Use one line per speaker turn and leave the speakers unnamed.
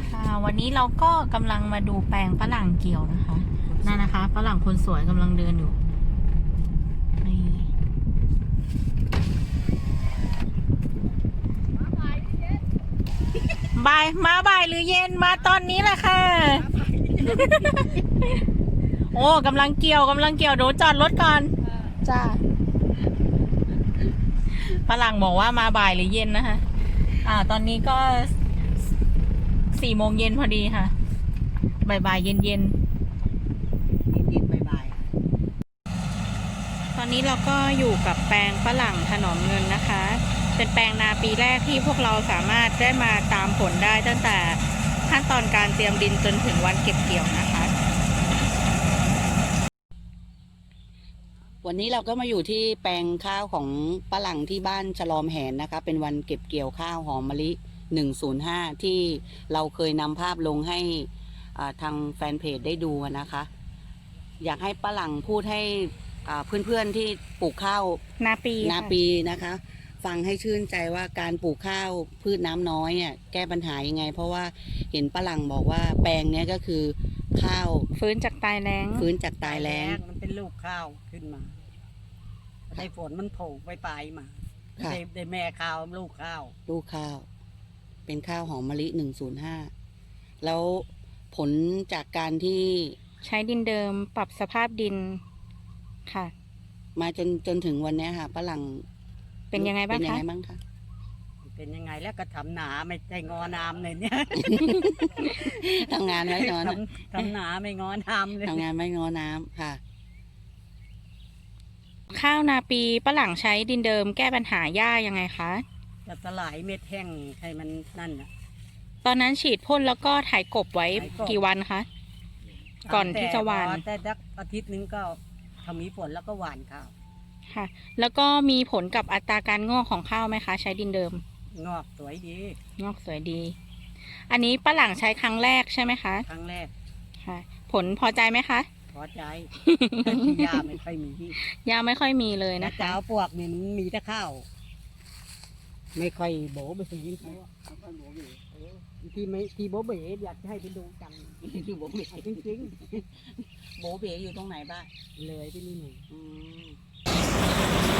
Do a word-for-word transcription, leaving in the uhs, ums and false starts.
ค่ะวันนี้เราก็กำลังมาดูแปลงฝรั่งเกี่ยวนะคะนั่นนะคะฝรั่งคนสวยกำลังเดินอยู่นี่บ่ายมาบ่ายหรือเย็นมาตอนนี้แหละค่ะโอ้กำลังเกี่ยวกำลังเกี่ยวเดี๋ยวจอดรถก่อนจ้าฝรั่งบอกว่ามาบ่ายหรือเย็นนะคะอ่าตอนนี้ก็สี่โมงเย็นพอดีค่ะบ่ายบ่ายเย็นเย็น
เย็นๆบ่าย
ๆตอนนี้เราก็อยู่กับแปลงฝรั่งถนอมเงินนะคะเป็นแปลงนาปีแรกที่พวกเราสามารถได้มาตามผลได้ตั้งแต่ขั้นตอนการเตรียมดินจนถึงวันเก็บเกี่ยวนะคะ
วันนี้เราก็มาอยู่ที่แปลงข้าวของฝรั่งที่บ้านฉลอมแหนนะคะเป็นวันเก็บเกี่ยวข้าวหอมมะลิหนึ่งศูนย์ห้าที่เราเคยนำภาพลงให้ทางแฟนเพจได้ดูนะคะ อยากให้ฝรั่งพูดให้เพื่อนๆที่ปลูกข้าว
นาปี
นาปีนะคะฟังให้ชื่นใจว่าการปลูกข้าวพืชน้ำน้อยเนี่ยแก้ปัญหายังไงเพราะว่าเห็นฝรั่งบอกว่าแปลงเนี้ยก็คือข้าว
ฟื้นจากตายแล้ง
ฟื้นจากตายแล้ง
มันเป็นลูกข้าวขึ้นมาในฝนมันโผล่ไปปลายมาได้ได้แม่ข้าวลูกข้าว
ลูกข้าวเป็นข้าวหอมมะลิหนึ่งศูนย์ห้าแล้วผลจากการที่
ใช้ดินเดิมปรับสภาพดินค่ะ
มาจนจนถึงวันนี้ค่ะฝรั่ง
เป็นยังไงบ้างคะเป็นยังไงบ้างคะ
เป็นยังไงแล้วก็ทำหนาไม่ใช่งอน้ำเลยเนี่ย
ทำงานไม่งอ
ทำหนาไม่งอน้ำเลย
ทำงานไม่งอน้ำค่ะ
ข้าวนาปีฝรั่งใช้ดินเดิมแก้ปัญหาหญ้ายังไงคะ
จะสลายเม็ดแห้งให้มันนั่นน่ะ
ตอนนั้นฉีดพ่นแล้วก็ถ่ายกบไว้กี่วันคะก่อนที่จะหว่าน
แต่สักอาทิตย์นึงก็ถ้ามีฝนแล้วก็หว่านข้าว
ค่ะแล้วก็มีผลกับอัตราการงอกของข้าวไหมคะใช้ดินเดิม
งอกสวยดี
งอกสวยดีอันนี้ฝรั่งใช้ครั้งแรกใช่ไหมคะ
ครั้งแรก
ค่ะผลพอใจไหมคะ
พอใจยาไม่ค่อยมี
ยาไม่ค่อยมีเลยนะคะ
เจ้าพวกเนี่ยมันมีแต่ข้าวไม่ค่อยโบ๋ไปสิยิ่งเขาที่ไม่ที่โบเบ๋อยากให้ไปดูกัน
ที่โบเบ๋จริงๆโบเบ๋อยู่ตรงไหนบ้าง
เลยที่นี่หนึ่ง